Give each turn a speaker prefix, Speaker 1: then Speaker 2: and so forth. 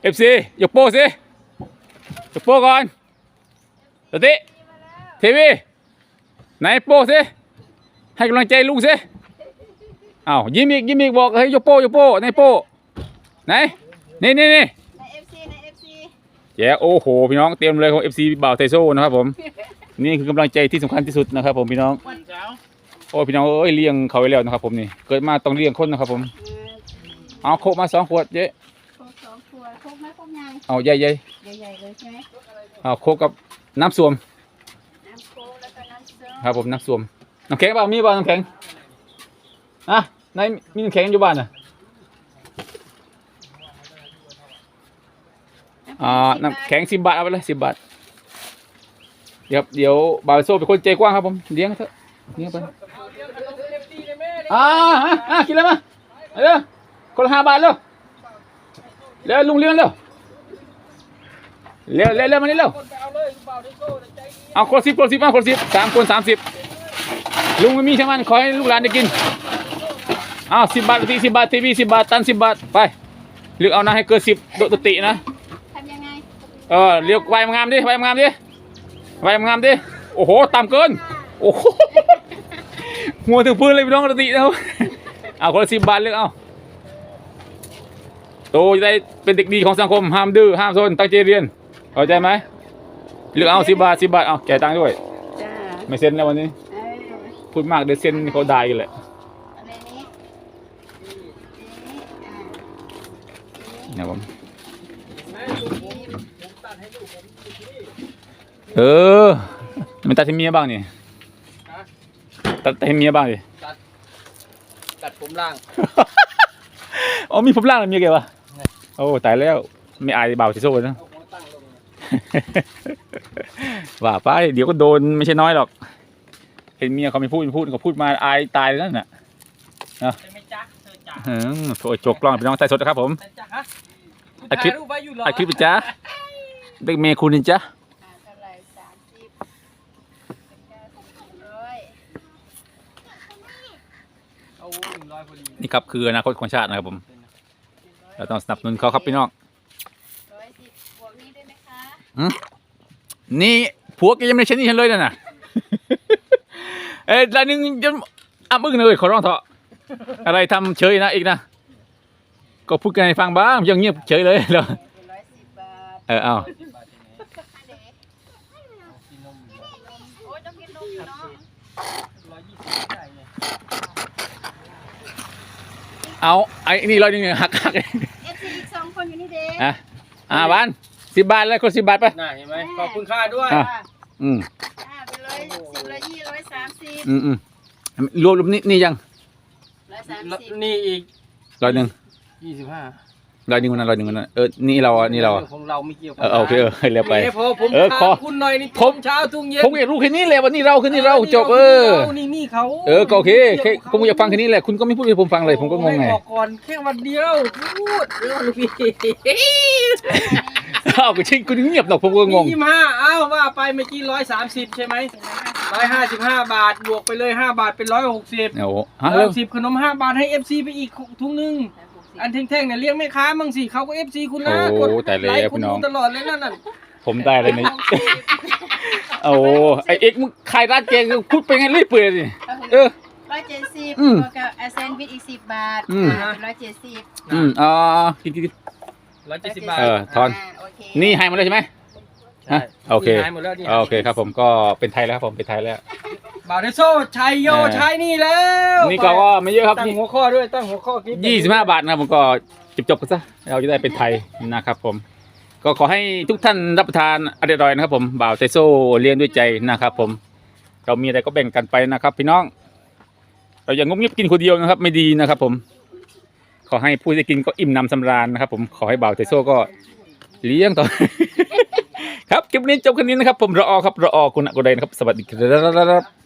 Speaker 1: FC ยกโป้สิยกโป้ก่อนสติทีวีไหนโป้สิให้กำลังใจลุงสิอ้าวยิ้มอีกบอกเฮ้ยยกโป้ไหนโป้ไหนนี่
Speaker 2: ใน FC
Speaker 1: แย่โอ้โหพี่น้องเตรียมเลยของ FC บ่าวไทโซ่นะครับผมนี่คือกำลังใจที่สำคัญที่สุดนะครับผมพี่น้องโอ้พี่น้องเอ้ยเลี้ยงเขาไว้แล้วนะครับผมนี่เกิดมาต้องเลี้ยงคนนะครับผมเอาโคกมา2 ขวดเจ๊
Speaker 2: โคก2 ขวดโคกไม่โคกใหญ่
Speaker 1: เอาใหญ่
Speaker 2: เลยใช่ไหม
Speaker 1: เอาโคกกับน้ำส้วม
Speaker 2: น้ำโคกแล้วก็น้ำส้ม
Speaker 1: ครับผมน้ำส้วมน้ำแข็งเปล่ามีเปล่าน้ำแข็งอ่ะนายมีน้ำแข็งอยู่บ้านน่ะน้ำแข็ง10 บาทเอาไปเลย10 บาทเดี๋ยวบ่าวโซ่เป็นคนใจกว้างครับผมเลี้ยงเถอะเลี้ยงไปกินเลยมาเร็วคนละ5 บาทเร็วลุงเลี้ยงเร็วมานี่เร็วเอาคน10มาคน10 3 คน 30ลุงไม่มีใช่ไหมขอให้ลูกหลานได้กินเอา10 บาทที10 บาททีวี10 บาทตัน10 บาทไปเลือกเอานะให้เกิน10โดดตินะ
Speaker 2: ทำยังไง
Speaker 1: เรียกใบงามดิโอ้โหต่ำเกินโอ้โหหัวถึงพื้นเลยพี่น้องตินะครับเอาคนละ10 บาทเลือกเอาโตจะได้เป็นเด็กดีของสังคมห้ามดื้อห้ามซนตั้งใจเรียนเข้าใจไหมเลือกเอา10 บาทเอาแจกตังค์ด้วยไม่เซ็นแล้ววันนี้พูดมากเดี๋ยวเซ็นเขาได้กันแหละเนี่ยผมมันตัดให้เมียบ้างนี่ตัดให้เมียบ้างดิ
Speaker 3: ตัดผมล่าง
Speaker 1: อ๋อมีผมล่างแล้วเมียแกวะโอ้ตายแล้วไม่อายเบาสิโซ่นะว่าไปเดี๋ยวก็โดนไม่ใช่น้อยหรอกเห็นเมียเขาไม่พูดเขาพูดมาอายตายแล้วน่ะนะโถ่จกกล้องพี่น้องใส่สดนะครับผมอัดคลิปจ้าเด็กเมย์คุณนี่จ้านี่ครับคืออนาคตของชาตินะครับผมเราต้องสนับสนุนเขาครับพี่น้องนี่ผัวแกยังไม่ใช่นี่ฉันเลยนะรายหนึ่งจะมึงเลยขอร้องเถอะอะไรทำเฉยนะอีกนะก็พูดกันให้ฟังบ้างยังเงียบเฉยเลยเหรอเอาไอ้นี่เราเนี่ยหัก
Speaker 2: เอฟซี2 คนอยู่นี่เด็
Speaker 1: กบ้าน10 บาทเลยคน10 บาทไป
Speaker 3: น่าเห็นไหมขอบคุณค่าด้วย
Speaker 2: ไปเลย10 ละ20 130
Speaker 1: รวมนี่ยัง
Speaker 2: 130
Speaker 3: นี่อีก
Speaker 1: 100 1
Speaker 3: 25
Speaker 1: 100 1วันนั้นนี่เรา
Speaker 3: ของเราไม่เกี่ยว
Speaker 1: โอเคให้เร็วไป
Speaker 3: พอผมขอคุณหน่อยนี่ผมเช้าทุ่งเย็น
Speaker 1: ผมอยากรู้แค่นี้แหละวันนี้เราคือนี่เราจบ
Speaker 3: นี่เขา
Speaker 1: ก็โอเคผมอยากฟังแค่นี้แหละคุณก็ไม่พูดให้ผมฟังเลยผมก็งงไง
Speaker 3: ก่อนแค่วันเดียวพูดเรื่องพี่
Speaker 1: ก็จริงคุณเงียบหรอกผมก็งง
Speaker 3: 25ว่าไปเมื่อกี้130ใช่ไหม155 บาทบวกไปเลย5 บาทเป็น160
Speaker 1: โอ้
Speaker 3: 110ขนม5 บาทให้ FC ไปอีกถุงนึงอันแท่งๆเนี่ยเลี้ยงแม่ค้ามั่งสิเขาก็ FC คุณนะกดไลค์คุณตลอดเลยนั่น
Speaker 1: ผมได้เลยนี่ไอเอ็กมึงขายร้านเจงพูดไปไงรีบเปื่อยสิ
Speaker 2: 170แล้วก็แซนด์วิชอีก10 บาท170
Speaker 1: กิน
Speaker 3: 170 บาท
Speaker 1: ทอนนี่ให้มาเลยใช่ไหมโอเคครับผมก็เป็นไทยแล้วครับผมเป็นไทยแล้ว
Speaker 3: บ่าวเดโซ่ชัยโยชัยนี่แล้ว
Speaker 1: นี่ก็ไม่เยอะครับ
Speaker 3: ตั้งหัวข้อด้วยตั้งหัวข้อคลิป
Speaker 1: 25 บาทนะครับผมก็จบกันซะเราจะได้เป็นไทยนะครับผมก็ขอให้ทุกท่านรับประทานอร่อยนะครับผมบ่าวไทโซ่เลี้ยงด้วยใจนะครับผมเรามีอะไรก็แบ่งกันไปนะครับพี่น้องเราอย่างงบเงียบกินคนเดียวนะครับไม่ดีนะครับผมขอให้ผู้ที่กินก็อิ่มหนำสำราญนะครับผมขอให้บ่าวไทโซ่ก็เลี้ยงต่อครับคลิปนี้จบแค่นี้นะครับผมรอคุณอกุไดนะครับสวัสดีครับ